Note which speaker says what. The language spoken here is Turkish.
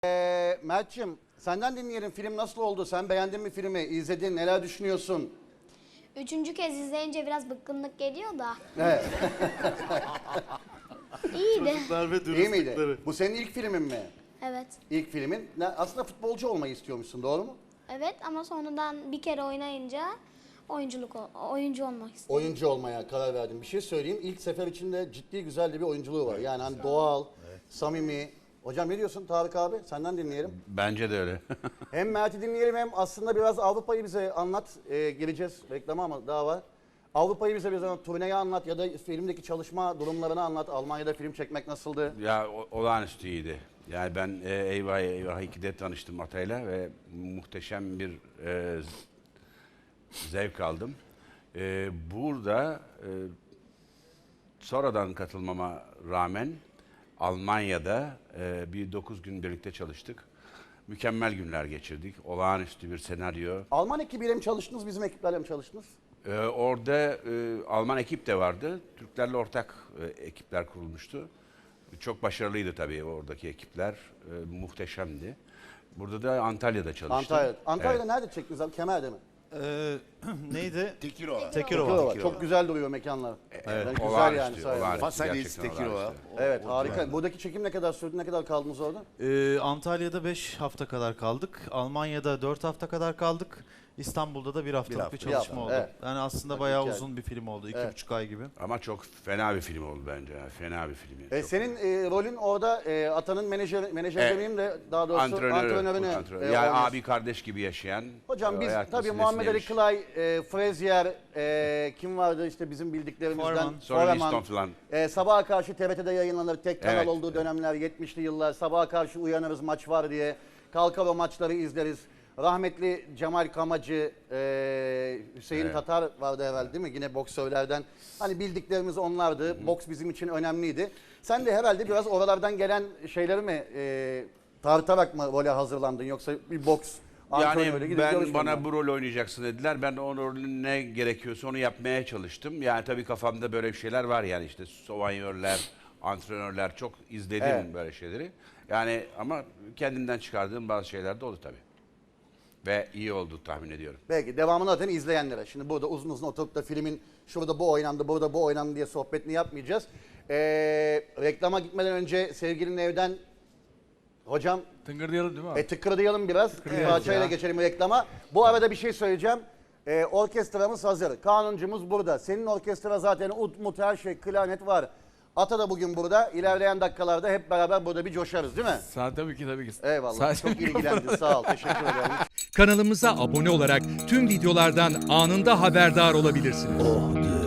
Speaker 1: Mert'cim senden dinleyelim, film nasıl oldu? Sen beğendin mi filmi? İzledin, neler düşünüyorsun?
Speaker 2: Üçüncü kez izleyince biraz bıkkınlık geliyor da.
Speaker 1: Evet.
Speaker 2: İyiydi.
Speaker 1: İyi miydi? Bu senin ilk filmin mi?
Speaker 2: Evet.
Speaker 1: İlk filmin. Aslında futbolcu olmayı istiyormuşsun, doğru mu?
Speaker 2: Evet ama sonradan bir kere oynayınca oyuncu olmak istedim.
Speaker 1: Oyuncu olmaya karar verdim. Bir şey söyleyeyim. İlk sefer içinde ciddi güzel de bir oyunculuğu var. Yani hani doğal, samimi. Hocam ne diyorsun Tarık abi? Senden dinleyelim.
Speaker 3: Bence de öyle.
Speaker 1: Hem Mert'i dinleyelim hem aslında biraz Avrupa'yı bize anlat. Geleceğiz reklama ama daha var. Avrupa'yı bize biraz anlat, turneyi anlat ya da filmdeki çalışma durumlarını anlat. Almanya'da film çekmek nasıldı?
Speaker 3: Ya olağanüstü iyiydi. Yani ben Eyvah Eyvah 2'de tanıştım Atay'la ve muhteşem bir zevk aldım. Burada sonradan katılmama rağmen Almanya'da bir 9 gün birlikte çalıştık. Mükemmel günler geçirdik. Olağanüstü bir senaryo.
Speaker 1: Alman ekibiyle mi çalıştınız, bizim ekiplerle mi çalıştınız?
Speaker 3: Orada Alman ekip de vardı. Türklerle ortak ekipler kurulmuştu. Çok başarılıydı tabii oradaki ekipler. Muhteşemdi. Burada da Antalya'da çalıştım.
Speaker 1: Antalya'da
Speaker 3: Evet.
Speaker 1: nerede çektiniz abi? Kemer'de mi?
Speaker 4: Neydi?
Speaker 5: Tekirova.
Speaker 4: Tekirova.
Speaker 1: Çok güzel duruyor mekanlar.
Speaker 3: Evet,
Speaker 1: Güzel
Speaker 3: olağanüstü,
Speaker 1: yani sayende.
Speaker 3: olağanüstü.
Speaker 5: Fasalis
Speaker 3: Gerçekten
Speaker 5: Tekirova.
Speaker 3: olağanüstü.
Speaker 1: Evet harika. Buradaki çekim ne kadar sürdü? Ne kadar kaldınız orada?
Speaker 4: Antalya'da 5 hafta kadar kaldık. Almanya'da 4 hafta kadar kaldık. İstanbul'da da bir haftalık bir çalışma
Speaker 1: Bir hafta,
Speaker 4: oldu.
Speaker 1: evet.
Speaker 4: Yani aslında
Speaker 1: Bak,
Speaker 4: bayağı
Speaker 1: hikaye.
Speaker 4: uzun bir film oldu. 2,5
Speaker 1: Evet.
Speaker 4: ay gibi.
Speaker 3: Ama çok fena bir film oldu bence. Fena bir film. Çok-
Speaker 1: Senin rolün orada Atan'ın menajer demeyeyim de daha doğrusu antrenörünü
Speaker 3: Yani
Speaker 1: oynuyorsun.
Speaker 3: abi kardeş gibi yaşayan.
Speaker 1: Hocam biz
Speaker 3: hayat
Speaker 1: tabii
Speaker 3: meselesini
Speaker 1: Muhammed Ali
Speaker 3: yemiş.
Speaker 1: Clay, Frazier, kim vardı işte bizim bildiklerimizden?
Speaker 4: Foreman.
Speaker 3: Sonra Liston falan.
Speaker 1: Sabaha karşı TRT'de yayınlanır. Tek kanal
Speaker 3: Evet.
Speaker 1: olduğu dönemler 70'li yıllar. Sabaha karşı uyanırız maç var diye. Kalkar o maçları izleriz. Rahmetli Cemal Kamacı, Hüseyin
Speaker 3: Evet.
Speaker 1: Tatar vardı herhalde değil mi? Yine boksörlerden. Hani bildiklerimiz onlardı. Boks bizim için önemliydi. Sen de herhalde biraz oralardan gelen şeyleri mi tartarak mı role hazırlandın? Yoksa bir boks antrenörü
Speaker 3: Yani
Speaker 1: gidip
Speaker 3: ben
Speaker 1: görüşmedin
Speaker 3: bana
Speaker 1: mi?
Speaker 3: bu rol oynayacaksın dediler. Ben o rolün ne gerekiyorsa onu yapmaya çalıştım. Yani tabii kafamda böyle bir şeyler var yani işte sovanyörler, antrenörler çok izledim
Speaker 1: Evet.
Speaker 3: böyle şeyleri. Yani ama kendimden çıkardığım bazı şeyler de oldu tabii. Ve iyi oldu tahmin ediyorum.
Speaker 1: Belki devamını zaten izleyenlere. Şimdi burada uzun uzun oturup da filmin şurada bu oynandı, burada bu oynandı diye sohbetini yapmayacağız. Reklama gitmeden önce sevgilinin evden hocam
Speaker 6: Tıngırdayalım değil mi abi?
Speaker 1: tıkırdayalım biraz. Parçayla geçelim reklama. Bu arada bir şey söyleyeceğim. Orkestramız hazır. Kanuncumuz burada. Senin orkestra zaten ut mut her şey, klarnet var. Ata da bugün burada. İlerleyen dakikalarda hep beraber burada bir coşarız değil mi?
Speaker 6: Tabii ki tabii ki.
Speaker 1: Eyvallah.
Speaker 6: Sadece
Speaker 1: Çok ilgilendin. Sağ ol. Teşekkür ederim.
Speaker 7: Kanalımıza abone olarak tüm videolardan anında haberdar olabilirsiniz.